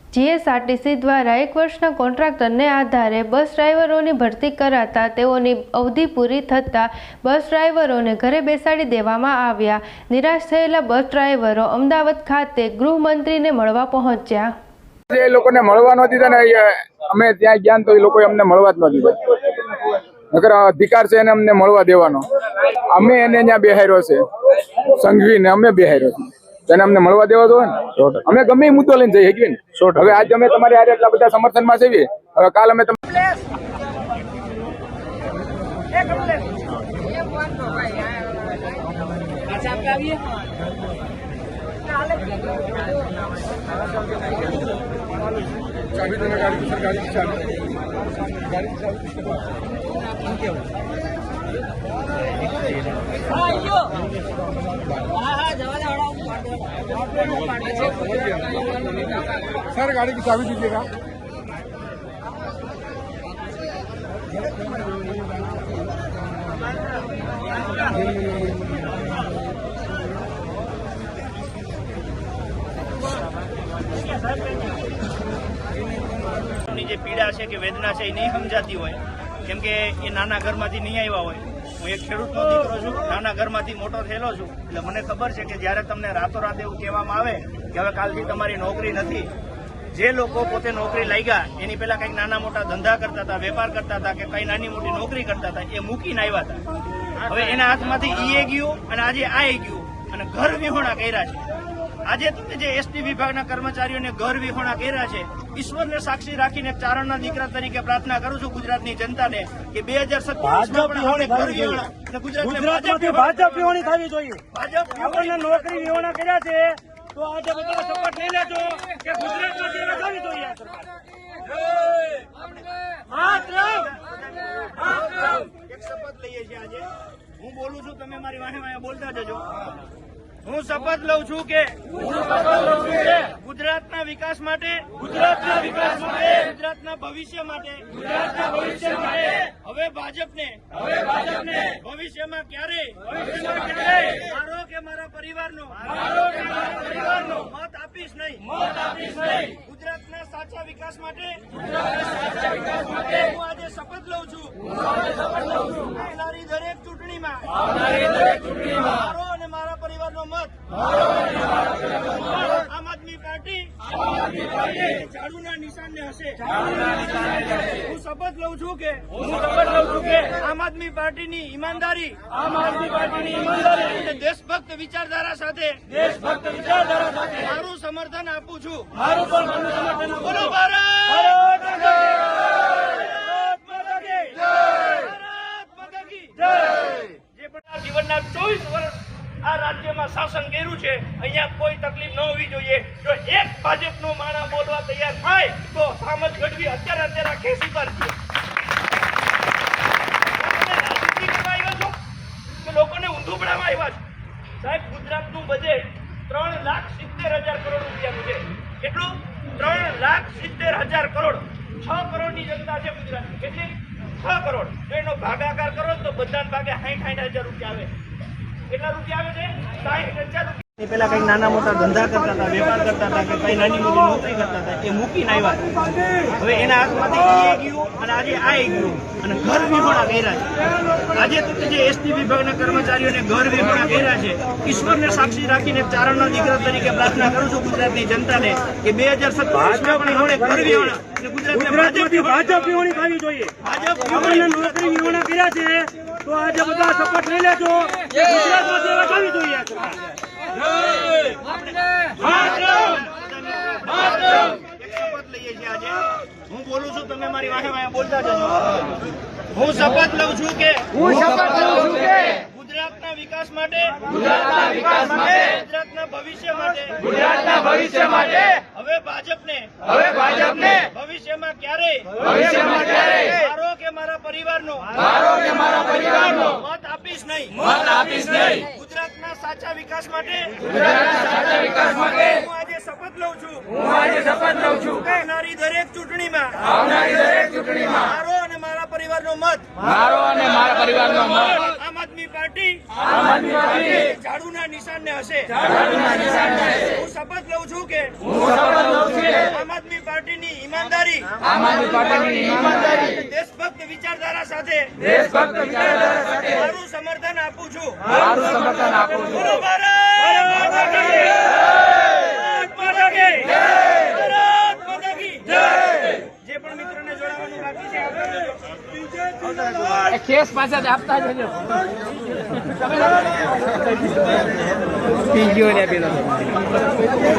GSRTC દ્વારા 1 વર્ષના કોન્ટ્રાક્ટરને આધારે બસ ડ્રાઈવરોની ભરતી કરાતા તેઓની અવધિ પૂરી થતાં બસ ડ્રાઈવરોને ઘરે બેસાડી દેવામાં આવ્યા। નિરાશ થયેલા બસ ડ્રાઈવરો અમદાવાદ ખાતે ગૃહમંત્રીને મળવા પહોંચ્યા। એ લોકોને મળવા ન દીધા ને અમે ત્યાં ગયા તો એ લોકોએ અમને મળવા જ ન દીધા। નકર અધિકાર છે એને અમને મળવા દેવાનો। અમે એને ત્યાં બેહાર્યો છે સંઘવીને, અમે બેહાર્યો છે એને અમને મળવા દેવા દો ને। અમે ગમે એ મુદ્દો લઈને જઈ શકીએ ને। હવે આજે અમે તમારી હારે એટલા બધા સમર્થનમાં છીએ, હવે કાલ અમે सर गाड़ी की चाबी दीजिएगा। જે પીડા છે કે વેદના છે એ નહીં સમજાતી હોય, કેમ કે એ નાના ઘરમાંથી નહીં આવ્યા હોય। હું એક ખેડૂતનો દીકરો છું, નાના ઘરમાંથી મોટો થયેલો છું, એટલે મને ખબર છે કે જ્યારે તમને રાતોરાત એવું કહેવામાં આવે કે હવે કાલથી તમારી નોકરી નથી, જે લોકો પોતે નોકરી લાગ્યા એની પહેલા કંઈક નાના મોટા ધંધા કરતા હતા, વેપાર કરતા હતા કે કઈ નાની મોટી નોકરી કરતા હતા, એ મૂકીને આવ્યા હતા। હવે એના હાથમાંથી એ ગયું અને આજે આ ગયું અને ઘર વિહોણા કર્યા છે। આજે તમે જે એસટી વિભાગના કર્મચારીઓને ઘર વિહોણા કર્યા છે, ઈશ્વરને સાક્ષી રાખીને ચારણના દીકરા તરીકે પ્રાર્થના કરું છું ગુજરાતની જનતાને કે 2027 ભાજપ વિહોણી થવી જોઈએ। આપણને નોકરી વિહોણા કર્યા છે તો આજે બધા શપથ લઈ લેજો કે ગુજરાતમાં સેવા થવી જોઈએ। એક શપથ લઈએ છીએ આજે। હું બોલું છું, તમે મારી વાહે વાહે બોલતા જજો। હું શપથ લઉં છું કે ગુજરાતના વિકાસ માટે, ગુજરાતના ભવિષ્ય માટે હવે ભાજપને ભવિષ્યમાં ક્યારેય મારો કે મારા પરિવારનો મત આપીશ નહીં। ગુજરાતના સાચા વિકાસ માટે હું આજે શપથ લઉં છું। આવનારી દરેક ચૂંટણીમાં મારો અને મારા પરિવારનો મત આમ આદમી પાર્ટી ઝાડુના નિશાનને હશે। હું શપથ લઉં છું કે આમ આદમી પાર્ટીની ઈમાનદારી અને દેશભક્ત વિચારધારા સાથે મારું સમર્થન આપું છું। બોલો ભારત! જે પણ જીવનના 24 વર્ષ આ રાજ્યમાં શાસન કર્યું છે, અહીંયા કોઈ તકલીફ ન હોવી જોઈએ। જો એક ભાજપનો માણા બોલવા તૈયાર થાય તો સામજ ગઢવી અત્યારે ખેસી કરશે। રાજનીતિ કરવા આવ્યા છો કે લોકોને ઊંધું પડાવવા આવ્યા છો? સાહેબ, ગુજરાતનું બજેટ 3,70,000 કરોડ રૂપિયાનું છે। કેટલું? 3,70,000 કરોડ। 6 કરોડની જનતા છે ગુજરાતની। કેટલી? 6 કરોડ। જો એનો ભાગાકાર કરો તો બધાને ભાગે 60,000 રૂપિયા આવે। કેટલા રૂપિયા આવે છે? 60,000 રૂપિયા। પેલા કઈ નાના મોટા ધંધા કરતા હતા, વેપાર કરતા હતા કે કઈ નાની મોટી નોકરી કરતા હતા, એ મૂકીને આવ્યા। હવે એના હાથમાંથી એ ગયું અને આજે આ ગયું અને ઘર વિહોણા કર્યા છે। આજે તમે જે એસટી વિભાગના કર્મચારીઓને ઘર વિહોણા કર્યા છે, ઈશ્વરને સાક્ષી રાખીને ચારણના દીકરા તરીકે પ્રાર્થના કરું છું ગુજરાતની જનતાને કે 2027 ઘર વિહોણા ભાજપ વિહોણી થવી જોઈએ। આપણને નોકરી વિહોણા કર્યા છે તો આજે બધા શપથ લઈ લેજો કે ગુજરાતમાં સેવા થવી જોઈએ। હું બોલું છું, તમે મારી વાહે વાહે બોલતા જજો। હું શપથ લઉં છું કે ગુજરાતના વિકાસ માટે, ગુજરાતના ભવિષ્ય માટે હવે ભાજપને ભવિષ્યમાં ક્યારેય મારો કે મારા પરિવારનો મત આપીશ નહીં। ગુજરાતના સાચા વિકાસ માટે હું આજે શપથ લઉં છું। આવનારી દરેક ચૂંટણીમાં મારો અને મારા પરિવારનો મત આમ આદમી પાર્ટી પાર્ટી ઝાડુના નિશાનને હશે. હું શપથ લઉં છું કે આમ આદમી પાર્ટીની ઈમાનદારી દેશભક્ત વિચારધારા સાથે મારું સમર્થન આપું છું. બોલો ભારત માતા કી જય! ભારત માતા કી જય! ભારત માતા કી જય! જે પણ મિત્રોને જોડાવાનું બાકી છે આવતા રહેજો. કેસ પાછા આપતા જજો. પી ગયો ને પેલો